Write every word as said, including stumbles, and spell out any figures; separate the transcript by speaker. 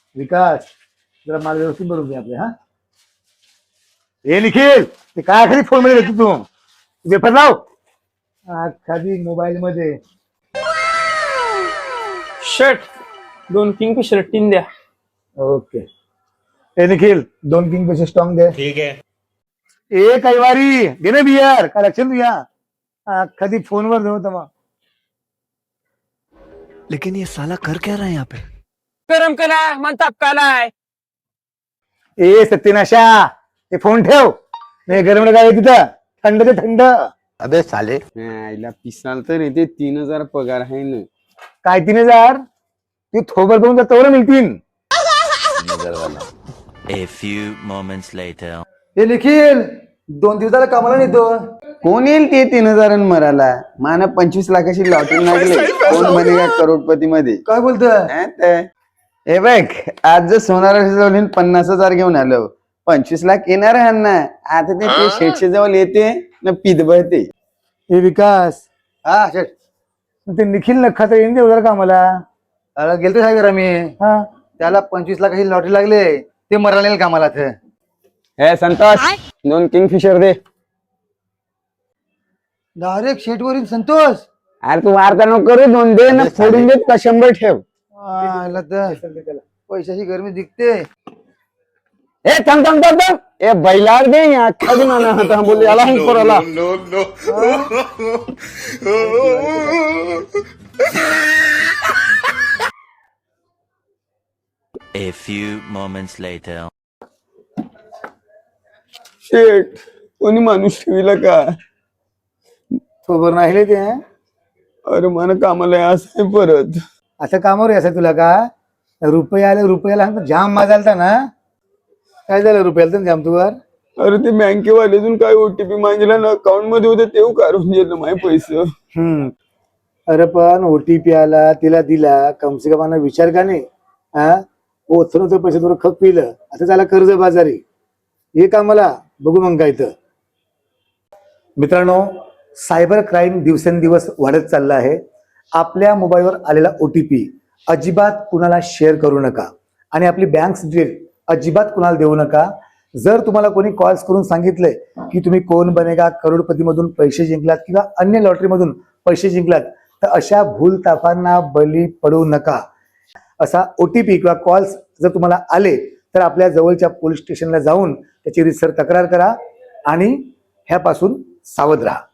Speaker 1: विकास जरा मला व्यवस्थित बरोबर घे आपले. हा हे निखिल ते काय खाली फोन मध्ये घेतो तू वेफर लाव खाली मोबाईल मध्ये.
Speaker 2: शर्ट दोन किंगफिशर टीन द्या.
Speaker 1: ओके हे निखिल दोन किंग पैसे स्ट्रॉंग दे.
Speaker 3: ठीक है.
Speaker 1: ए कैवारी घे ना बियर काय लक्षात तुझ्या कधी फोनवर नव्हतं मग.
Speaker 4: लेकिन ये साला कर क्या रहा है यहाँ पे?
Speaker 2: गरम कला मन तापकालाय.
Speaker 1: ए सत्यनाशा ते फोन ठेव नाही गरम काय तिथं थंड ते थंड.
Speaker 4: अबे साले.
Speaker 5: आईला पिसाल तर येते तीन हजार पगार आहे ना.
Speaker 1: काय तीन हजार तू थोबर करून तोवर मिळतील.
Speaker 6: A few moments later.
Speaker 1: हे निखिल दोन दिवसाला कामाला नेतो.
Speaker 5: कोण येईल ते तीन हजार मराला. मान पंचवीस लाखाची लॉटरी लागली. कोण बनेगा करोडपती मध्ये.
Speaker 1: काय बोलतोय.
Speaker 5: हे बघ आज जर सोनार पन्नास हजार घेऊन आलो पंचवीस लाख येणार आहे ना. आता ते ते शेटशे जवळ येते ना पीत बहते.
Speaker 1: हे विकास हा शेट ते निखिल नखा तर येईन देऊ कामाला. गेलतो काय करा मी. हा त्याला पंचवीस लाखाची लॉटरी लागले ते मरायला कामाला.
Speaker 5: हे संतोष दोन किंगफिशर दे.
Speaker 1: डायरेक्ट शेट वरील संतोष.
Speaker 5: अरे तू वार्ता नको करू दोन दे ना फोडून देत का शंभर ठेव.
Speaker 1: पैशाची गरमी दिखते.
Speaker 5: ए थांब थांब थांब थांब ए बैलार दे अख्खा दिन आला होता बोल याला हंग पोराला.
Speaker 6: A few moments later.
Speaker 5: शेट कोणी माणूस ठेवीला का.
Speaker 1: खबर नाही ते.
Speaker 5: अरे मला कामाला असं आहे परत.
Speaker 1: असं कामावर यायचं तुला का. रुपये आले रुपयाला जाम माजालता ना. काय झालं रुपयाला तर जाम तुवर.
Speaker 5: अरे ते बँकेवाल्यातून काय ओटीपी मागितला ना अकाउंट मध्ये होते तेव्हा काढून गेलं माझे पैसे.
Speaker 1: हम्म अरे पण ओटीपी आला तिला दिला कमसे कम विचार का नाही. हा ओथून पैसे थोडं खप पिलं आता त्याला कर्ज बाजारी हे कामाला बघू मग काय तर. मित्रांनो सायबर क्राईम दिवसेंदिवस वाढत चालला आहे. आपल्या मोबाईलवर आलेला ओटीपी अजिबात कुणाला शेअर करू नका आणि आपली बँक डिटेल अजिबात कुणाला देऊ नका. जर तुम्हाला कोणी कॉल्स करून सांगितलंय की तुम्ही कोण बनेगा करोडपती मधून पैसे जिंकलात किंवा अन्य लॉटरी मधून पैसे जिंकलात तर अशा भूलताफांना बळी पडू नका. असा ओटीपी किंवा कॉल्स जर तुम्हाला आले तर आपल्या जवळच्या पोलीस स्टेशनला जाऊन त्याची रितसर तक्रार करा आणि ह्यापासून सावध राहा.